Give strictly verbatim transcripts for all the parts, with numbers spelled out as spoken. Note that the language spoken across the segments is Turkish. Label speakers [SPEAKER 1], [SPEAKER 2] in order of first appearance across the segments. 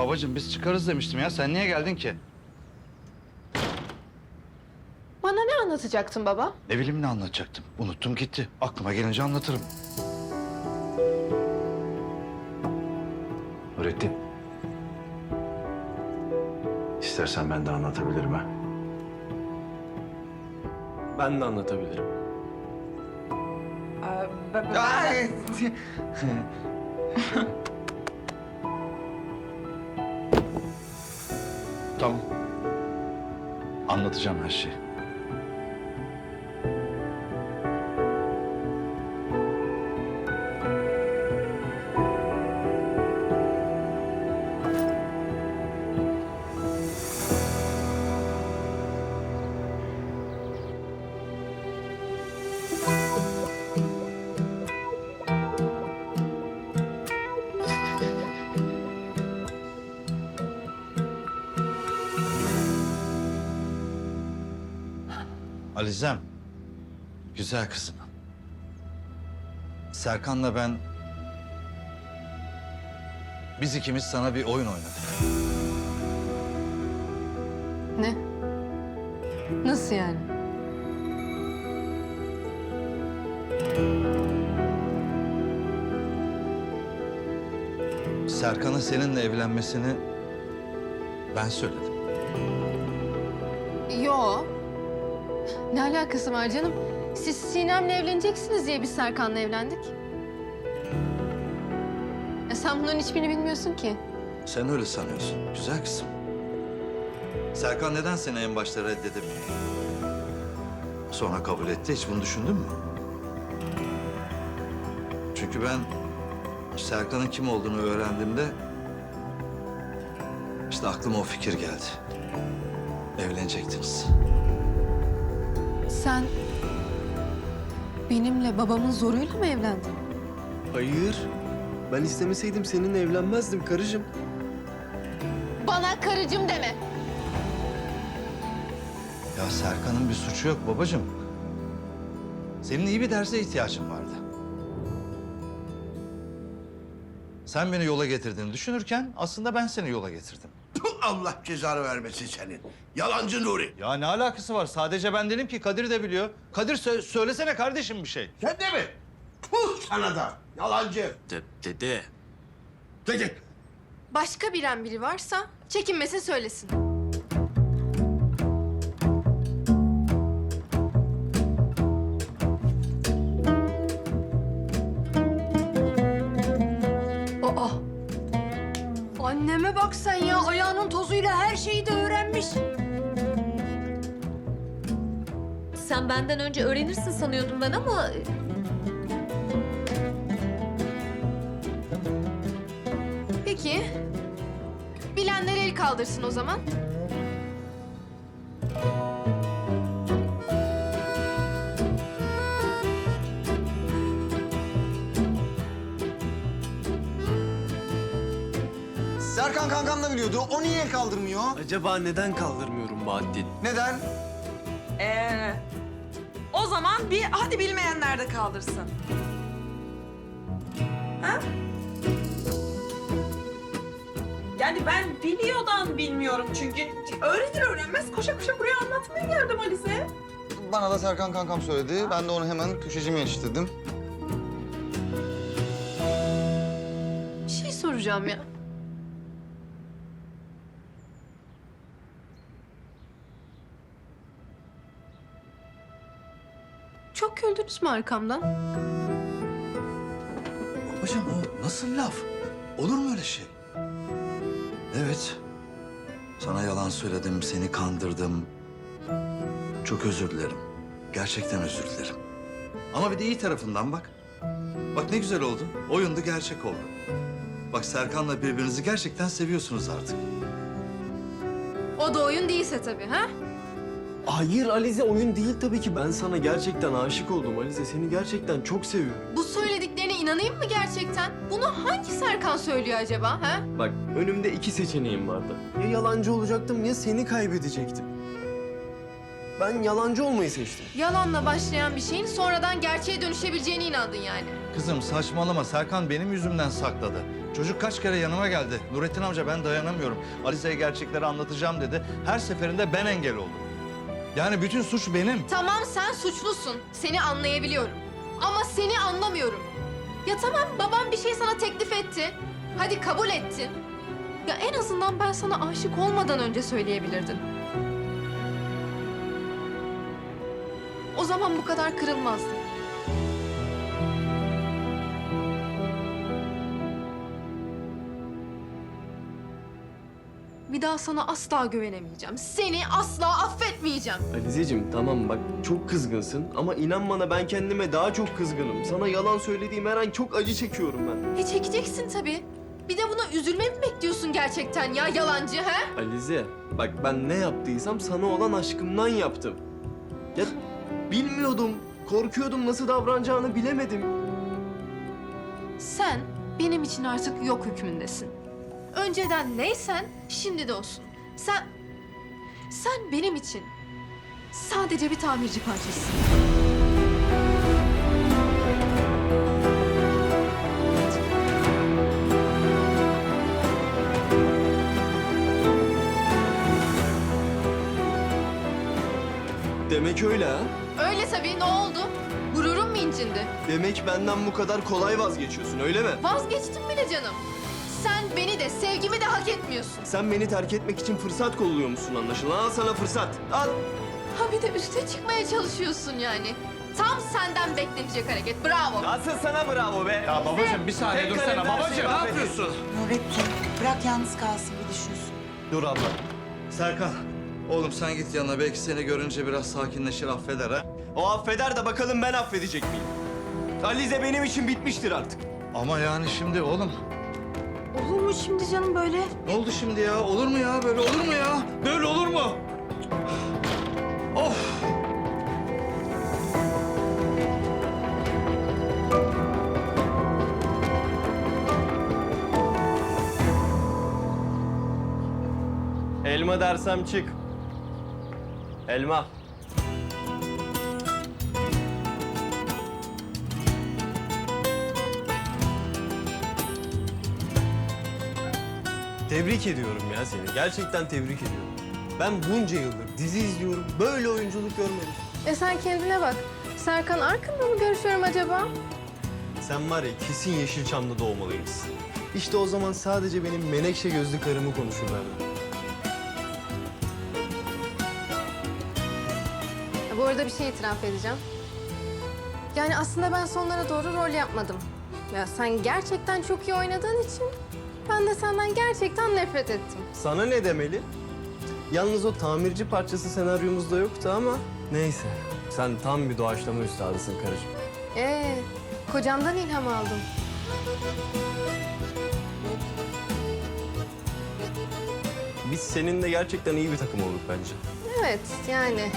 [SPEAKER 1] Babacığım biz çıkarız demiştim ya. Sen niye geldin ki?
[SPEAKER 2] Bana ne anlatacaktın baba?
[SPEAKER 1] Ne bileyim ne anlatacaktım. Unuttum gitti. Aklıma gelince anlatırım.
[SPEAKER 3] Nurettin. İstersen ben de anlatabilirim ha.
[SPEAKER 4] Ben de anlatabilirim.
[SPEAKER 5] Ee, ben- ben-
[SPEAKER 1] Ay! Tamam. Anlatacağım her şeyi. Alizem, güzel kızım. Serkan'la ben... Biz ikimiz sana bir oyun oynadık.
[SPEAKER 2] Ne? Nasıl yani?
[SPEAKER 1] Serkan'ın seninle evlenmesini ben söyledim.
[SPEAKER 2] Yo. Ne alakası var canım? Siz Sinem'le evleneceksiniz diye biz Serkan'la evlendik. E sen bunların hiçbirini bilmiyorsun ki.
[SPEAKER 1] Sen öyle sanıyorsun, güzel kızım. Serkan neden seni en başta reddedemiyor? Sonra kabul etti, hiç bunu düşündün mü? Çünkü ben Serkan'ın kim olduğunu öğrendiğimde... işte aklıma o fikir geldi. Evlenecektiniz.
[SPEAKER 2] Sen benimle babamın zoruyla mı evlendin?
[SPEAKER 4] Hayır. Ben istemeseydim seninle evlenmezdim karıcığım.
[SPEAKER 2] Bana karıcığım deme.
[SPEAKER 1] Ya Serkan'ın bir suçu yok babacığım. Senin iyi bir derse ihtiyacın vardı. Sen beni yola getirdiğini düşünürken aslında ben seni yola getirdim.
[SPEAKER 6] Puh, Allah cezanı vermesin senin. Yalancı Nuri.
[SPEAKER 1] Ya ne alakası var? Sadece ben dedim ki Kadir de biliyor. Kadir sö- söylesene kardeşim bir şey.
[SPEAKER 6] Sen de mi? Puh sana da. Yalancı.
[SPEAKER 4] De dede.
[SPEAKER 6] Dedi.
[SPEAKER 2] Başka bilen biri varsa çekinmese söylesin. Aa! Anneme bak sen ya. Ayağının tozuyla her şeyi de öğrenmiş.
[SPEAKER 7] Sen benden önce öğrenirsin sanıyordum ben ama...
[SPEAKER 2] Peki. Bilenler el kaldırsın o zaman.
[SPEAKER 8] Serkan kankam da biliyordu. O niye el kaldırmıyor?
[SPEAKER 4] Acaba neden kaldırmıyorum Bahattin?
[SPEAKER 8] Neden?
[SPEAKER 5] Ee, o zaman bir hadi bilmeyenler de kaldırsın. Ha? Yani ben biliyordan bilmiyorum çünkü öğrenir öğrenmez koşa koşa buraya anlatmaya geldim Alize.
[SPEAKER 8] Bana da Serkan kankam söyledi. Ben de onu hemen köşecime yetiştirdim.
[SPEAKER 2] Bir şey soracağım ya. Çok güldünüz mü arkamdan?
[SPEAKER 1] Babacığım o nasıl laf? Olur mu öyle şey? Evet. Sana yalan söyledim, seni kandırdım. Çok özür dilerim. Gerçekten özür dilerim. Ama bir de iyi tarafından bak. Bak ne güzel oldu. Oyundu, gerçek oldu. Bak Serkan'la birbirinizi gerçekten seviyorsunuz artık.
[SPEAKER 2] O da oyun değilse tabii ha?
[SPEAKER 4] Hayır Alize, oyun değil tabii ki. Ben sana gerçekten aşık oldum Alize. Seni gerçekten çok seviyorum.
[SPEAKER 2] Bu söylediklerine inanayım mı gerçekten? Bunu hangi Serkan söylüyor acaba ha?
[SPEAKER 4] Bak önümde iki seçeneğim vardı. Ya yalancı olacaktım ya seni kaybedecektim. Ben yalancı olmayı seçtim.
[SPEAKER 2] Yalanla başlayan bir şeyin sonradan gerçeğe dönüşebileceğine inandın yani.
[SPEAKER 1] Kızım saçmalama. Serkan benim yüzümden sakladı. Çocuk kaç kere yanıma geldi. Nurettin amca ben dayanamıyorum. Alize'ye gerçekleri anlatacağım dedi. Her seferinde ben engel oldum. Yani bütün suç benim.
[SPEAKER 2] Tamam sen suçlusun. Seni anlayabiliyorum. Ama seni anlamıyorum. Ya tamam babam bir şey sana teklif etti. Hadi kabul ettin. Ya en azından ben sana aşık olmadan önce söyleyebilirdin. O zaman bu kadar kırılmazdım. Bir daha sana asla güvenemeyeceğim. Seni asla affetmeyeceğim.
[SPEAKER 4] Alizeciğim tamam bak çok kızgınsın ama inan bana ben kendime daha çok kızgınım. Sana yalan söylediğim her an çok acı çekiyorum ben.
[SPEAKER 2] E çekeceksin tabii. Bir de buna üzülme mi bekliyorsun gerçekten ya yalancı he?
[SPEAKER 4] Alize bak ben ne yaptıysam sana olan aşkımdan yaptım. Ya bilmiyordum, korkuyordum nasıl davranacağını bilemedim.
[SPEAKER 2] Sen benim için artık yok hükmündesin. Önceden neysen şimdi de olsun. Sen, sen benim için sadece bir tamirci parçasısın.
[SPEAKER 4] Demek öyle ha?
[SPEAKER 2] Öyle tabii ne oldu? Gururun mu incindi?
[SPEAKER 4] Demek benden bu kadar kolay vazgeçiyorsun öyle mi?
[SPEAKER 2] Vazgeçtim bile canım. Sen beni de sevgimi de hak etmiyorsun.
[SPEAKER 4] Sen beni terk etmek için fırsat kolluyor musun anlaşılan? Al sana fırsat, al.
[SPEAKER 2] Ha bir de üste çıkmaya çalışıyorsun yani. Tam senden beklenecek hareket. Bravo.
[SPEAKER 4] Asıl sana bravo be.
[SPEAKER 3] Ya babacığım bir saniye
[SPEAKER 4] Tek
[SPEAKER 3] dursana
[SPEAKER 4] kalemden
[SPEAKER 3] babacığım.
[SPEAKER 4] şey
[SPEAKER 3] Ne
[SPEAKER 4] mahvedin.
[SPEAKER 3] yapıyorsun?
[SPEAKER 9] Nurettin bırak yalnız kalsın bir düşünsün.
[SPEAKER 4] Dur abla.
[SPEAKER 1] Serkan, oğlum sen git yanına. Belki seni görünce biraz sakinleşir, affeder ha.
[SPEAKER 4] O affeder de bakalım ben affedecek miyim? Alize benim için bitmiştir artık.
[SPEAKER 1] Ama yani şimdi oğlum.
[SPEAKER 2] Olur mu şimdi canım böyle?
[SPEAKER 1] Ne oldu şimdi ya? Olur mu ya? Böyle olur mu ya? Böyle olur mu? Of!
[SPEAKER 4] Elma dersem çık. Elma. Tebrik ediyorum ya seni. Gerçekten tebrik ediyorum. Ben bunca yıldır dizi izliyorum. Böyle oyunculuk görmedim.
[SPEAKER 2] E sen kendine bak. Serkan Arkın'la mı görüşüyorum acaba?
[SPEAKER 4] Sen var ya kesin Yeşilçam'da doğmalıymışsın. İşte o zaman sadece benim menekşe gözlü karımı konuşurlardı.
[SPEAKER 2] Ya bu arada bir şey itiraf edeceğim. Yani aslında ben sonlara doğru rol yapmadım. Ya sen gerçekten çok iyi oynadığın için ben de senden gerçekten nefret ettim.
[SPEAKER 4] Sana ne demeli? Yalnız o tamirci parçası senaryomuzda yoktu ama neyse. Sen tam bir doğaçlama üstadısın karıcığım.
[SPEAKER 2] Ee, kocamdan ilham aldım.
[SPEAKER 4] Biz seninle gerçekten iyi bir takım olduk bence.
[SPEAKER 2] Evet, yani.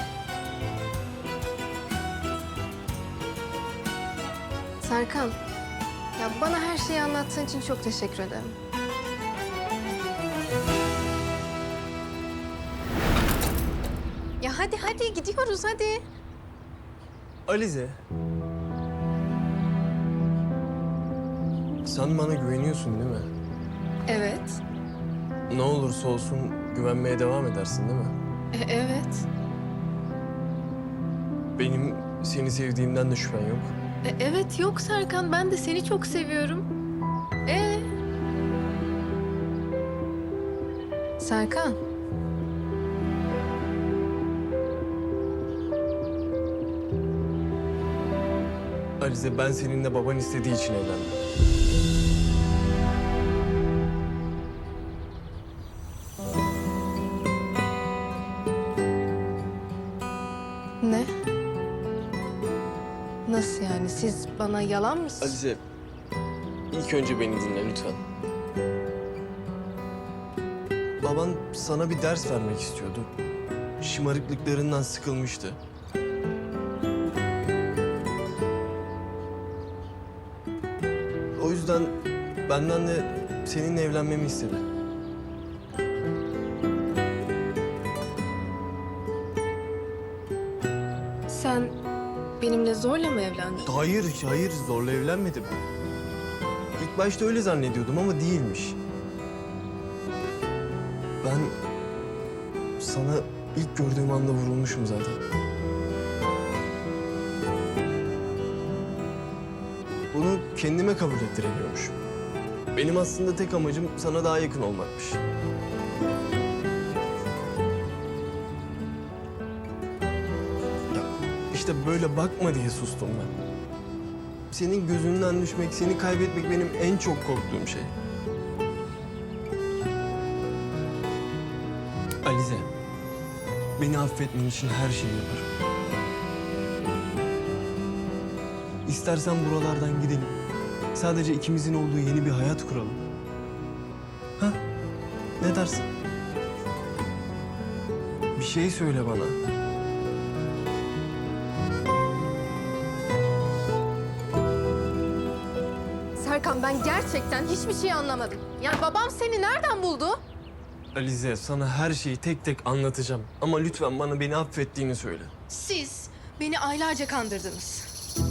[SPEAKER 2] Serkan, ya bana her şeyi anlattığın için çok teşekkür ederim. Ya hadi hadi gidiyoruz hadi.
[SPEAKER 4] Alize. Sen bana güveniyorsun değil mi?
[SPEAKER 2] Evet.
[SPEAKER 4] Ne olursa olsun güvenmeye devam edersin değil mi?
[SPEAKER 2] E, evet.
[SPEAKER 4] Benim seni sevdiğimden de şüphen yok.
[SPEAKER 2] E, evet yok Serkan, ben de seni çok seviyorum. Ee? Serkan.
[SPEAKER 4] Alize ben seninle baban istediği için evlendim.
[SPEAKER 2] Ne? Nasıl yani? Siz bana yalan mı?
[SPEAKER 4] Alize, ilk önce beni dinle lütfen. Baban sana bir ders vermek istiyordu. Şımarıklıklarından sıkılmıştı. O yüzden benden de seninle evlenmemi istedi.
[SPEAKER 2] benimle zorla mı evlendin?
[SPEAKER 4] Hayır, hayır zorla evlenmedim. İlk başta öyle zannediyordum ama değilmiş. Ben sana ilk gördüğüm anda vurulmuşum zaten. Bunu kendime kabul ettiremiyormuşum. Benim aslında tek amacım sana daha yakın olmakmış. Ya işte böyle bakma diye sustum ben. Senin gözünden düşmek, seni kaybetmek benim en çok korktuğum şey. Alize, beni affetmen için her şeyi yaparım. İstersen buralardan gidelim. Sadece ikimizin olduğu yeni bir hayat kuralım. Ha? Ne dersin? Bir şey söyle bana.
[SPEAKER 2] Serkan, ben gerçekten hiçbir şey anlamadım. Ya babam seni nereden buldu?
[SPEAKER 4] Alize, sana her şeyi tek tek anlatacağım. Ama lütfen bana beni affettiğini söyle.
[SPEAKER 2] Siz beni aylarca kandırdınız.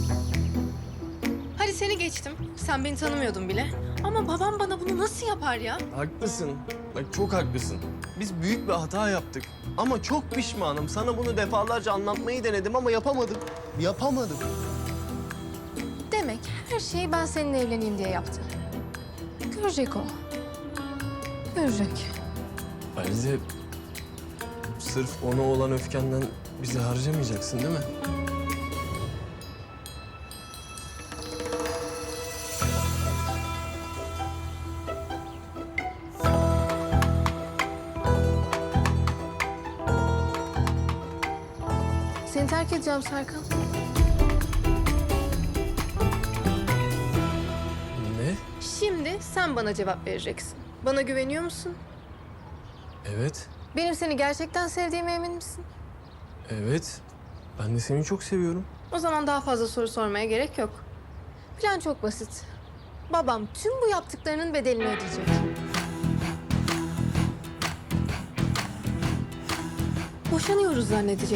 [SPEAKER 2] Hadi seni geçtim. Sen beni tanımıyordun bile. Ama babam bana bunu nasıl yapar ya?
[SPEAKER 4] Haklısın. Bak çok haklısın. Biz büyük bir hata yaptık. Ama çok pişmanım. Sana bunu defalarca anlatmayı denedim ama yapamadım. Yapamadım.
[SPEAKER 2] Demek her şeyi ben seninle evleneyim diye yaptı. Görecek o. Görecek.
[SPEAKER 4] Alize, sırf ona olan öfkenden bizi harcamayacaksın değil mi?
[SPEAKER 2] Seni terk edeceğim Serkan.
[SPEAKER 4] Ne?
[SPEAKER 2] Şimdi sen bana cevap vereceksin. Bana güveniyor musun?
[SPEAKER 4] Evet,
[SPEAKER 2] Benim seni gerçekten sevdiğime emin misin?
[SPEAKER 4] evet. Ben de seni çok seviyorum.
[SPEAKER 2] O zaman daha fazla soru sormaya gerek yok. Plan çok basit. Babam tüm bu yaptıklarının bedelini ödeyecek. Boşanıyoruz zannedecek.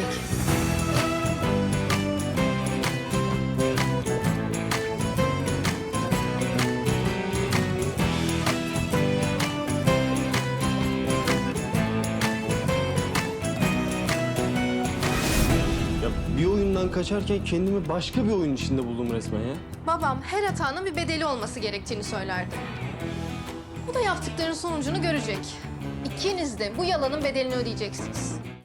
[SPEAKER 4] Ya bir oyundan kaçarken kendimi başka bir oyun içinde buldum resmen ya.
[SPEAKER 2] Babam her hatanın bir bedeli olması gerektiğini söylerdi. Bu da yaptıklarının sonucunu görecek. İkiniz de bu yalanın bedelini ödeyeceksiniz.